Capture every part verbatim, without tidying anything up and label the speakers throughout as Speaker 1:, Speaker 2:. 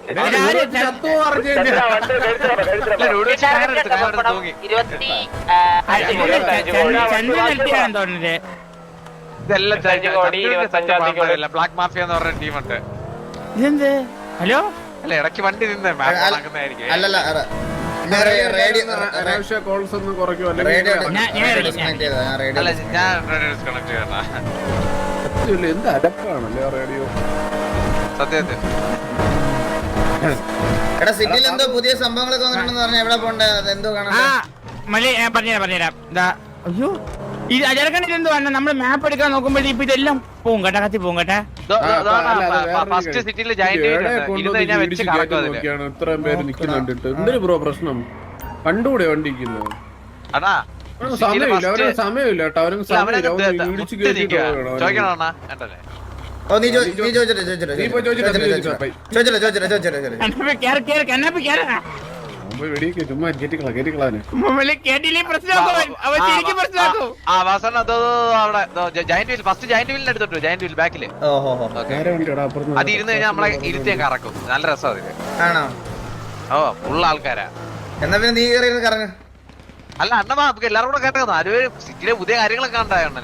Speaker 1: Black mafia എന്ന് പറഞ്ഞ ടീമുണ്ട്.
Speaker 2: ഹലോ
Speaker 1: അല്ല ഇടയ്ക്ക് വണ്ടി നിന്ന് നടക്കുന്നതായിരിക്കും.
Speaker 3: അല്ലല്ല
Speaker 4: എന്ത് അടപ്പാണല്ലേ റേഡിയോ
Speaker 3: സത്യത്തിൽ. എടാ സിറ്റിയിൽ എന്തോ പുതിയ സംഭവങ്ങളൊക്കെ വന്നിട്ടുണ്ടെന്ന് പറഞ്ഞാൽ എവിടെ പോണ്ടേ? എന്തോ കാണാൻ
Speaker 2: പറഞ്ഞുതരാം പറഞ്ഞുതരാം. അയ്യോ ഇത് അജർക്കണിൽ എന്തോ വന്ന നമ്മള് മാപ്പ് എടുക്കാൻ നോക്കുമ്പോഴേ ഇപ്പൊ ഇതെല്ലാം പോകും കേട്ടാ, കത്തി പോകും കേട്ടാ.
Speaker 4: ഇത്രയും പേര് നിക്കുന്നുണ്ട്. എന്തൊരു ബ്രോ പ്രശ്നം? കണ്ടുകൂടെ വണ്ടിക്കുന്നു? സമയമില്ല, അവർക്ക് സമയമില്ല കേട്ടോ. അവർക്ക് സമയമില്ല. ഇടിച്ചു കേട്ടിട്ട് ചുമ്മാ കേട്ടിക്കളാ കേട്ടിക്കളാന്
Speaker 1: അത് ഇരുന്ന് കഴിഞ്ഞാൽ നമ്മളെ ഇരുത്തിയാൻ കറക്കും. നല്ല രസം അതില്. ഓ ഫുള്ള് ആൾക്കാരാ.
Speaker 3: എന്നാ പിന്നെ നീ കറങ്ങ.
Speaker 1: അല്ല അണ്ണ നമുക്ക് എല്ലാവരും കൂടെ കേട്ടോ. അത് സിറ്റിയിലെ പുതിയ കാര്യങ്ങളൊക്കെ ഉണ്ടായോണ്ടേ.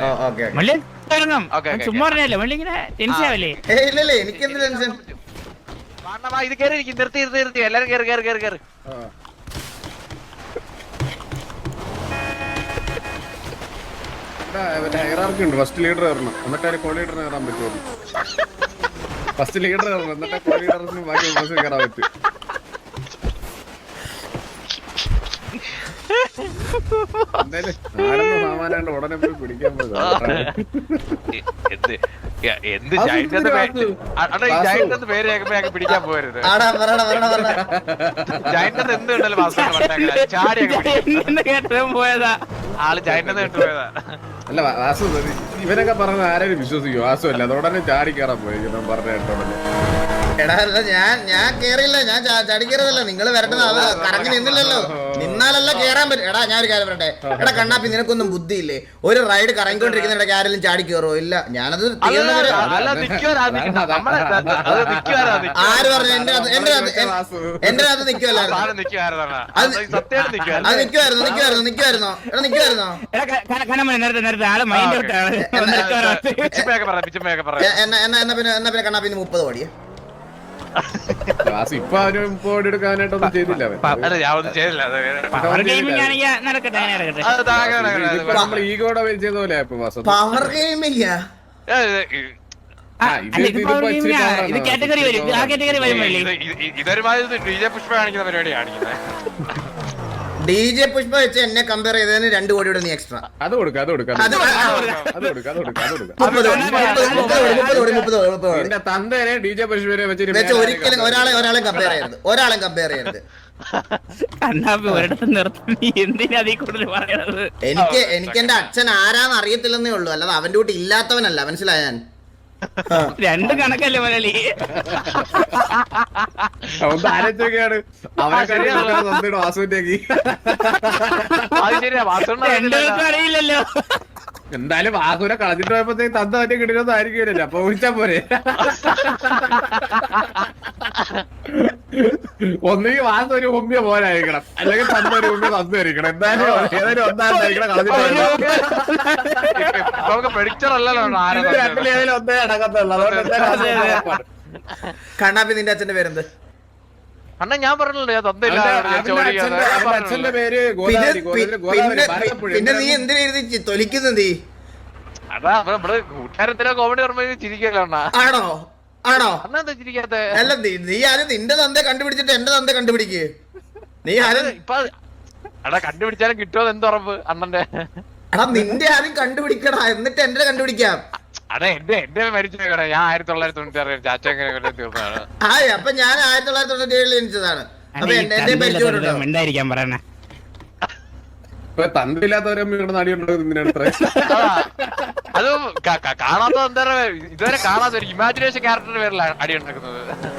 Speaker 3: എനിക്കെന്ത് ടെൻഷൻ?
Speaker 1: ഇത് കയറി ഇരിക്കും. നിർത്തി നിർത്തി നിർത്തി എല്ലാരും കയറി കയറി കയറി കയറി.
Speaker 4: ഹൈറാർക്കി ഫസ്റ്റ് ലീഡർ കയറണം, എന്നിട്ട് കോ ലീഡറിന് കയറാൻ പറ്റുള്ളൂ. ഫസ്റ്റ് ലീഡർ കയറണം, എന്നിട്ട് കോ ലീഡറിന് ബാക്കി ബസ് കയറാൻ പറ്റും. എന്തായാലും ആരെന്ന് സാമാനാണ്ട് ഉടനെ പോയി പിടിക്കാൻ പോയി.
Speaker 1: എന്ത് ജൈന്റ് പേര് കേൾക്കുമ്പോ പിടിക്കാൻ പോരുത്. ജൈന്റ് എന്ത് ഉണ്ടല്ലോ പോയതാ ആള് ജൈന്റ് കേട്ട് പോയതാ.
Speaker 4: അല്ല വാസു ഇവനൊക്കെ പറഞ്ഞ ആരെയും വിശ്വസിക്കും? വാസു അല്ല, അതോടനെ ചാടി കയറാൻ പോയി പറഞ്ഞ കേട്ടോടനെ.
Speaker 3: എടാ അല്ല ഞാൻ ഞാൻ കേറിയില്ല, ഞാൻ ചാടി കയറിയതല്ല. നിങ്ങൾ വരേണ്ടത് അത് കറങ്ങി നിന്നില്ലല്ലോ. നിന്നാലല്ല കേറാൻ പറ്റും. എടാ ഞാൻ ഒരു കാര്യം പറയട്ടെ. എടാ കണ്ണാപ്പി നിനക്കൊന്നും ബുദ്ധിയില്ലേ? ഒരു റൈഡ് കറങ്ങിക്കൊണ്ടിരിക്കുന്ന ഇടയ്ക്ക് ആരെങ്കിലും ചാടി കയറോ? ഇല്ല, ഞാനത് ആര് പറഞ്ഞു? എന്റെ എന്റെ എന്റെ അത് നിക്കുവല്ലായിരുന്നു. അത് നിക്കുവായിരുന്നു നിക്കുവായിരുന്നു നിക്കുവായിരുന്നോ? എടാ നിക്കുവായിരുന്നോ? എന്നാ എന്നാ പിന്നെ എന്നാ പിന്നെ കണ്ണാപ്പി മുപ്പത് കോടിയാ?
Speaker 4: ഇപ്പൊ അവന് മുപ്പത് കോടി എടുക്കാനായിട്ടൊന്നും ചെയ്തില്ല. നമ്മൾ ഈഗോടെ ചെയ്ത പോലെ
Speaker 3: പവർ ഗെയിമില്ല.
Speaker 1: ഇതൊരുമാതിരി ഡി ജെ പുഷ്പ കാണിക്കുന്ന പരിപാടി കാണിക്കുന്നത്.
Speaker 3: ഡി ജെ പുഷ്പ വെച്ച് എന്നെ കമ്പയർ ചെയ്തതിന് രണ്ടു കോടിയുടെ നീ എക്സ്ട്രാ
Speaker 4: അത് കൊടുക്കാം. അത് കൊടുക്കാം തന്തേനെ ഡി ജെ പുഷ്പനെ വെച്ച്
Speaker 3: ഒരിക്കലും ഒരാളെ ഒരാളെ കമ്പയർ ചെയ്യരുത്. ഒരാളെ കമ്പയർ ചെയ്യരുത്. എനിക്ക് എനിക്ക് എന്റെ അച്ഛൻ ആരാന്ന് അറിയത്തില്ലെന്നേ ഉള്ളൂ, അല്ലാതെ അവന്റെ കൂട്ടി ഇല്ലാത്തവനല്ല. മനസ്സിലായ? ഞാൻ
Speaker 2: രണ്ട് കണക്കല്ലേ മലയാളി.
Speaker 4: ആരൊക്കെയാണ് അവനെ വാസുവിന്റേക്ക്
Speaker 2: അറിയില്ലല്ലോ.
Speaker 4: എന്തായാലും വാസുവിനെ കളഞ്ഞിട്ട് പോയപ്പോഴത്തേക്ക് തന്ത മറ്റേ കിട്ടിയൊന്നും ആയിരിക്കില്ലല്ലോ. അപ്പൊ വിളിച്ചാ പോരെ. ഒന്നുകിൽ വാസു ഒരു ഉമ്മിയ പോലായിരിക്കണം, അല്ലെങ്കിൽ തന്ന ഒരു ഉമ്മിയ തന്നായിരിക്കണം. എന്തായാലും ഏതായാലും ഒന്നായിരിക്കണം. കളഞ്ഞിട്ട് രണ്ടിലേതിലും ഒന്നേ അടക്കത്തുള്ളൂ. അതുകൊണ്ട്
Speaker 3: കണ്ണാപ്പി നിന്റെ അച്ഛന്റെ പേരെന്ത്?
Speaker 1: അണ്ണ ഞാൻ പറഞ്ഞല്ലോ
Speaker 4: അച്ഛന്റെ പേര്.
Speaker 3: പിന്നെ നീ എന്തിനാ എഴുതി തൊലിക്കുന്നത്? നീ
Speaker 1: കൂട്ടുകാരത്തിനോ കോമഡി ഓർമ്മ ചിരിക്കല്ലോ.
Speaker 3: ആണോ ആണോ?
Speaker 1: അന്നെന്താ ചിരിക്കാത്ത?
Speaker 3: അല്ല നീ ആരും നിന്റെ തന്തെ കണ്ടുപിടിച്ചിട്ട് എന്റെ തന്തെ കണ്ടുപിടിക്ക്. നീ ആരും
Speaker 1: ഇപ്പൊ എടാ കണ്ടുപിടിച്ചാലും കിട്ടുമോ എന്ത് ഉറപ്പ് അണ്ണന്റെ?
Speaker 3: എടാ നിന്റെ ആരും കണ്ടുപിടിക്കടാ, എന്നിട്ട് എന്റെ കണ്ടുപിടിക്കാം.
Speaker 1: അതെ എന്റെ എന്റെ മരിച്ചു ഞാൻ ആയിരത്തി തൊള്ളായിരത്തി തൊണ്ണൂറ്റി ആറ് ചാച്ച തീർന്നതാണ്.
Speaker 3: ആ അപ്പൊ ഞാൻ ആയിരത്തി തൊള്ളായിരത്തി തൊണ്ണൂറ്റി ഏഴിൽ ജനിച്ചതാണ്. അപ്പൊ എന്റെ
Speaker 2: മിണ്ടായിരിക്കാൻ പറയണേ.
Speaker 4: ഇപ്പൊ തന്തില്ലാത്തവരമ്മ ഇവിടെ നടിയുണ്ടാകുന്നതിനാണ്
Speaker 1: അത് കാണാത്ത എന്താ ഇതുവരെ കാണാത്ത ഒരു ഇമാജിനേഷൻ ക്യാരക്ടറിന്റെ പേരിലാണ് അടി ഉണ്ടാക്കുന്നത്.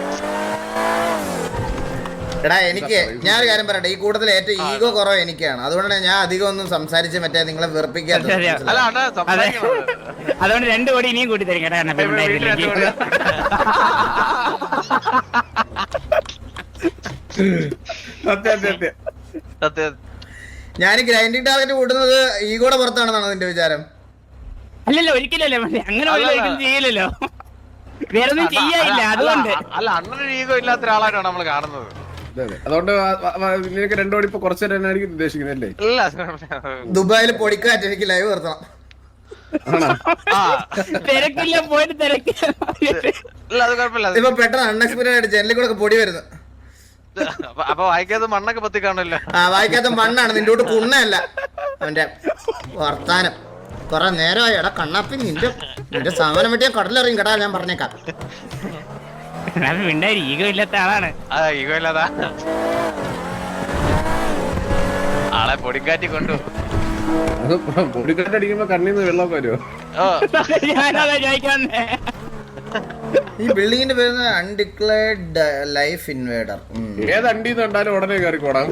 Speaker 3: എടാ എനിക്ക് ഞാൻ ഒരു കാര്യം പറയട്ടെ, ഈ കൂട്ടത്തിൽ ഏറ്റവും ഈഗോ കുറവ് എനിക്കാണ്. അതുകൊണ്ടാണ് ഞാൻ അധികം ഒന്നും സംസാരിച്ച് മറ്റേ നിങ്ങളെ വെറുപ്പിക്കാത്തത്.
Speaker 2: അതുകൊണ്ട് രണ്ടു കോടി ഇനിയും കൂട്ടി തരും കേട്ടാ.
Speaker 4: സത്യം സത്യം
Speaker 1: സത്യം.
Speaker 3: ഞാൻ ഗ്രൈൻഡിങ് ടാർഗറ്റ് കൂട്ടുന്നത് ഈഗോടെ പുറത്താണെന്നാണ് നിന്റെ വിചാരം?
Speaker 2: അല്ലല്ലോ ഒരിക്കലല്ലേ അങ്ങനെ ഒരിക്കലും ചെയ്യില്ലല്ലോ, വേറെ ഒന്നും ചെയ്യാനില്ല അതുകൊണ്ട്.
Speaker 1: അല്ല അണ്ണന് ഈഗോ ഇല്ലാത്ത ഒരാളായിട്ടാണ് നമ്മൾ കാണുന്നത്.
Speaker 4: അതുകൊണ്ട് നിനക്ക് രണ്ടോടി ഇപ്പൊ കുറച്ചു നേരം ആയിരിക്കും ഉദ്ദേശിക്കുന്നല്ലേ?
Speaker 1: ഇല്ല
Speaker 3: ദുബായിൽ പൊടിക്കാറ്റ് എനിക്ക് ലൈവ് നിർത്തണം.
Speaker 2: തിരക്കില്ല പോയിട്ട് തിരക്കില്ല.
Speaker 1: ഇല്ല അത് കുഴപ്പമില്ല.
Speaker 3: ഇപ്പൊ പെട്ടെന്ന് അൺഎക്സ്പെക്ടഡ് ആയിട്ട് ജനലിൽ കൂടെ പൊടി വരുന്നു.
Speaker 1: അപ്പൊ വായിക്കാത്ത മണ്ണൊക്കെ പത്തി കാണുമല്ലോ.
Speaker 3: ആ വായിക്കാത്ത മണ്ണാണ്, നിന്റെ കൂട്ട് കുണ്ണയല്ല. അവന്റെ വർത്താനം കൊറേ നേരമായി. എടാ കണ്ണാപ്പി, നിന്റെ നിന്റെ സാമാനം വെട്ടിയാ കടലിറങ്ങി കേട്ടാ, ഞാൻ പറഞ്ഞേക്കാം.
Speaker 2: മിണ്ടായി ഈഗോ ഇല്ലാത്ത ആളാണ്.
Speaker 1: ആ ഈഗോ ഇല്ലാതാ ആളെ പൊടിക്കാറ്റി കൊണ്ടു.
Speaker 4: അത് പൊടിക്കട്ടടിക്കുമ്പോ കണ്ണീന്ന് വെള്ളമൊക്കെ വരുമോ?
Speaker 2: ഞാനതാ ചോദിക്കാന്നേ.
Speaker 3: ഈ ബിൽഡിങ്ങിന്റെ പേര് അൺഡിക്ലേർഡ് ലൈഫ് ഇൻവേഡർ.
Speaker 4: ഏത് അണ്ടി കണ്ടാലും ഉടനെ കയറിക്കോടാം.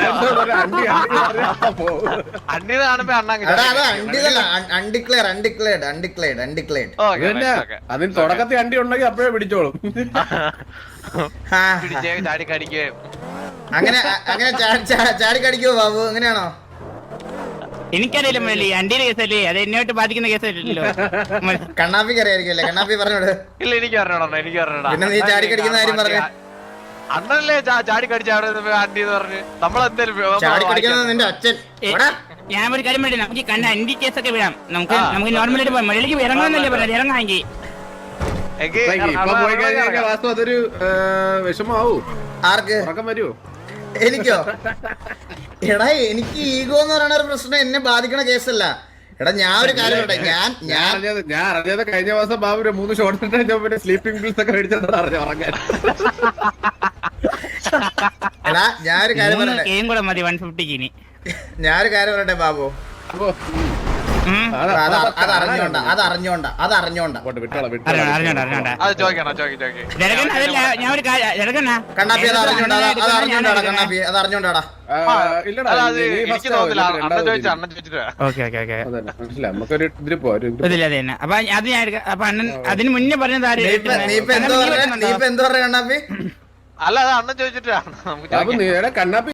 Speaker 1: അണ്ണീന്ന് കാണുമ്പോ അണ്ണാ
Speaker 3: എടാ അത് അണ്ടിതല്ല, അൺഡിക്ലെയർ അൺഡിക്ലേർഡ് അൺഡിക്ലേർഡ് അൺഡിക്ലേർഡ്.
Speaker 4: അതിന് തുടക്കത്തിൽ അണ്ടി ഉണ്ടെങ്കിൽ അപ്പോഴേ പിടിച്ചോളും.
Speaker 1: ചാടി കടിക്കുകയും
Speaker 3: അങ്ങനെ അങ്ങനെ ചാടി കടിക്കുവോ ബാബു? അങ്ങനെയാണോ?
Speaker 2: എനിക്കറിയില്ല മല്ലി, അണ്ടിയുടെ കേസല്ലേ, അത് എന്നോട്ട് ബാധിക്കുന്ന കേസല്ലല്ലോ.
Speaker 3: കണ്ണാപ്പിക്ക് അറിയായിരിക്കും അല്ലേ? കണ്ണാപ്പി പറഞ്ഞോട്.
Speaker 1: ഇല്ല എനിക്ക് അറിഞ്ഞോടാ, എനിക്ക് അറിഞ്ഞോടാ.
Speaker 3: പിന്നെ നീ ചാടി കടിക്കുന്ന കാര്യം പറഞ്ഞു.
Speaker 1: അണ്ണനല്ലേ ചാടി കടിച്ച അവിടെ ആന്റി എന്ന് പറഞ്ഞ് നമ്മളെന്തേലും
Speaker 3: ചാടി കടിക്കുന്നത് നിന്റെ അച്ഛൻ.
Speaker 2: ഞാൻ ഒരു കാര്യം പറയട്ടെ, നമുക്ക് കണ്ട അണ്ടി കേസൊക്കെ വിടാം. നമുക്ക് നമുക്ക് നോർമലായിട്ട് പോയി മലയിലേക്ക് ഇറങ്ങാന്നല്ലേ പറഞ്ഞത്, ഇറങ്ങാമെങ്കിൽ.
Speaker 4: ഇപ്പൊ പോയി കഴിഞ്ഞാൽ വാസ്തു അതൊരു വിഷമാവൂ.
Speaker 3: ആർക്ക്?
Speaker 4: ഉറക്കം വരുമോ?
Speaker 3: എനിക്കോ? എടാ എനിക്ക് ഈഗോ എന്ന് പറയുന്ന ഒരു പ്രശ്നം എന്നെ ബാധിക്കണ കേസല്ല. എടാ ഞാൻ ഒരു കാര്യം പറയട്ടെ, ഞാൻ ഞാൻ
Speaker 4: ഞാൻ അറിഞ്ഞത് കഴിഞ്ഞ മാസം ബാബു മൂന്ന് ഷോർട്ട് പിന്നെ സ്ലീപ്പിംഗ് പിൽസ് ഒക്കെ മേടിച്ചതാണ് അറിഞ്ഞു ഉറങ്ങാൻ.
Speaker 3: എടാ ഞാൻ ഒരു കാര്യം പറയട്ടെ,
Speaker 2: കേം കൂടെ മതി വൺ ഫിഫ്റ്റിക്ക് ഇനി.
Speaker 3: ഞാനൊരു കാര്യം പറയട്ടെ ബാബു,
Speaker 4: അപ്പൊ
Speaker 3: അത് അറിഞ്ഞോണ്ട അത് അറിഞ്ഞോണ്ട അത് അറിഞ്ഞോണ്ട
Speaker 2: അറിഞ്ഞോണ്ട അറിഞ്ഞോണ്ട
Speaker 1: അത് ചോദിക്കണോ ചോദിക്കും ചോദിക്കും
Speaker 2: ജനകൻ അതല്ല, ഞാൻ ഒരു കാര്യം ജനകനാ
Speaker 3: കണ്ണാപ്പി അത് അറിഞ്ഞോണ്ടാ അത് അറിഞ്ഞോണ്ടാടാ കണ്ണാപ്പി അത് അറിഞ്ഞോണ്ടാടാ.
Speaker 1: എനിക്ക് തോന്നില്ല അണ്ണൻ ചോദിച്ചു അണ്ണൻ ചോദിച്ചിട്ട്
Speaker 2: ഓക്കെ ഓക്കെ ഓക്കെ
Speaker 4: മനസ്സിലായി. നമുക്കൊരു ഇതില് പോവാം.
Speaker 2: ഇതില്ല അത് തന്നെ. അപ്പൊ അത് ഞാൻ എടുക്കാം. അപ്പൊ അണ്ണൻ അതിന് മുന്നേ പറഞ്ഞത് ആര്?
Speaker 3: നീ ഇപ്പൊ എന്തോ പറഞ്ഞ നീ ഇപ്പൊ എന്തോ പറഞ്ഞ കണ്ണാപ്പി?
Speaker 1: അല്ല അത് അണ്ണൻ ചോദിച്ചിട്ടാണ് നമുക്ക്
Speaker 4: കണ്ണാപ്പി